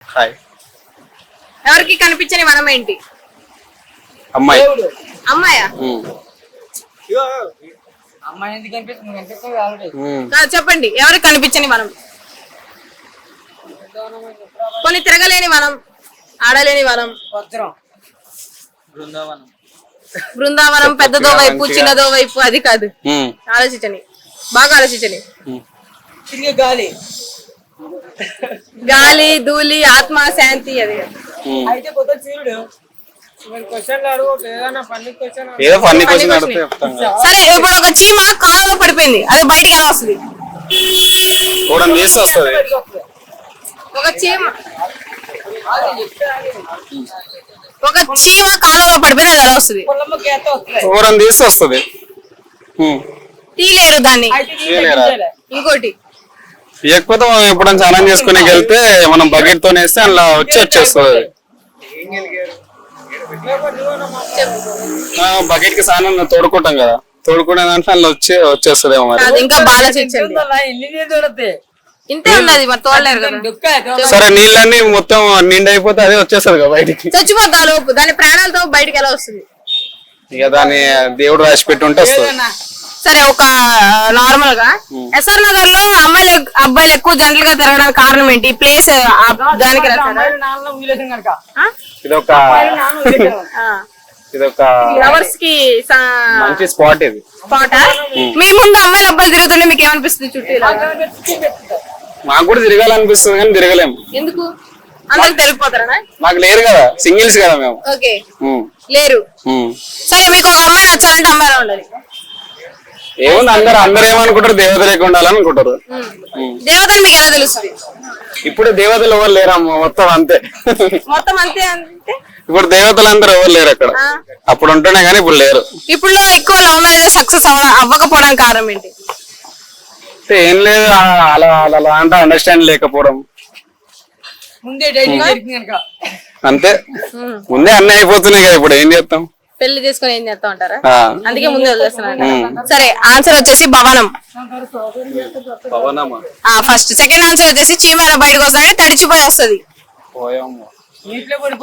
Hi. ఎవరికి కనిపించని వనం ఏంటి? అమ్మాయి. అమ్మాయా? చెప్పండి, ఎవరికి కనిపించని వనం? కొన్ని తిరగలేని వనం, ఆడలేని వనం. బృందావనం పెద్దదో వైపు చిన్నదో వైపు అది కాదు. ఆలోచించండి, బాగా ఆలోచించండి. గాలి, ధూళి, ఆత్మ, శాంతి. అది సరే, ఇప్పుడు ఒక చీమ కాలువలో పడిపోయింది, అది బయటికి ఎలా వస్తుంది? ఒక చీమ కాలువలో పడిపోయింది, అది ఎలా వస్తుంది? తీయలేరు దాన్ని. ఇంకోటి లేకపోతే మనం ఎప్పుడైనా స్నానం చేసుకునే వెళ్తే మనం బకెట్ తో వేస్తే అలా వచ్చేస్తుంది. బకెట్ కి స్నానం తోడుకుంటాం కదా, తోడుకునే దాంట్లో అలా వచ్చేస్తుంది. ఇంకా బాగా ఇంతే ఉన్నది, మరి తోడలేరు కదా. సరే, నీళ్ళన్నీ మొత్తం నిండి అయిపోతే అదే వచ్చేస్తుంది కదా బయటికి. చచ్చిపోతా లోపు దాని ప్రాణాలతో బయటికి ఎలా వస్తుంది? ఇక దాన్ని దేవుడు రాసి పెట్టి ఉంటే వస్తుంది. సరే, ఒక నార్మల్ గా ఎస్ఆర్ నగర్ లో అమ్మాయిలు అబ్బాయిలు ఎక్కువ జంటలుగా తిరగడానికి కారణం ఏంటి? ఈ ప్లేస్ దానికి ఇదొక లవర్స్ కి మంచి స్పాట్. ఇది స్పాట్. మీ ముందు అమ్మాయిలు అబ్బాయిలు తిరుగుతుంటే మీకు ఏమనిపిస్తుంది? చుట్టూ మాకు కూడా తిరగాలనిపిస్తుంది కానీ తిరగలేము. ఎందుకు? అందరికి తెలిసిపోతారా? మాకు లేరు కదా, సింగిల్స్ కదా మేము. ఓకే, లేరు. సరే, మీకు ఒక అమ్మాయి నచ్చాలంటే అమ్మాయిలా ఉండాలి. ఏముంది, అందరు ఏమనుకుంటారు, దేవతలే ఉండాలనుకుంటారు. దేవతలు మీకు ఎలా తెలుస్తుంది? ఇప్పుడు దేవతలు ఎవరు లేరమ్మా, మొత్తం అంతే. మొత్తం అంతే అంటే ఇప్పుడు దేవతలు అందరూ ఎవరు లేరు అక్కడ. అప్పుడు ఉంటేనే కానీ ఇప్పుడు లేరు. ఇప్పుడు ఎక్కువ లవ్ మ్యారేజ్ సక్సెస్ అవ్వకపోవడానికి కారణం ఏంటి? ఏం లేదు, అలా అలా అంటే అండర్స్టాండ్ లేకపోవడం అంతే. ముందే అన్నీ అయిపోతున్నాయి కదా, ఇప్పుడు ఏం చేస్తాం? పెళ్లి చేసుకుని ఏం చేస్తా ఉంటారా? అందుకే ముందే వదిలేస్తున్నా. సరే, ఆన్సర్ వచ్చేసి భవనం. ఫస్ట్. సెకండ్ ఆన్సర్ వచ్చేసి చీమ బయటకు వస్తాడంటే తడిచిపోయి వస్తుంది.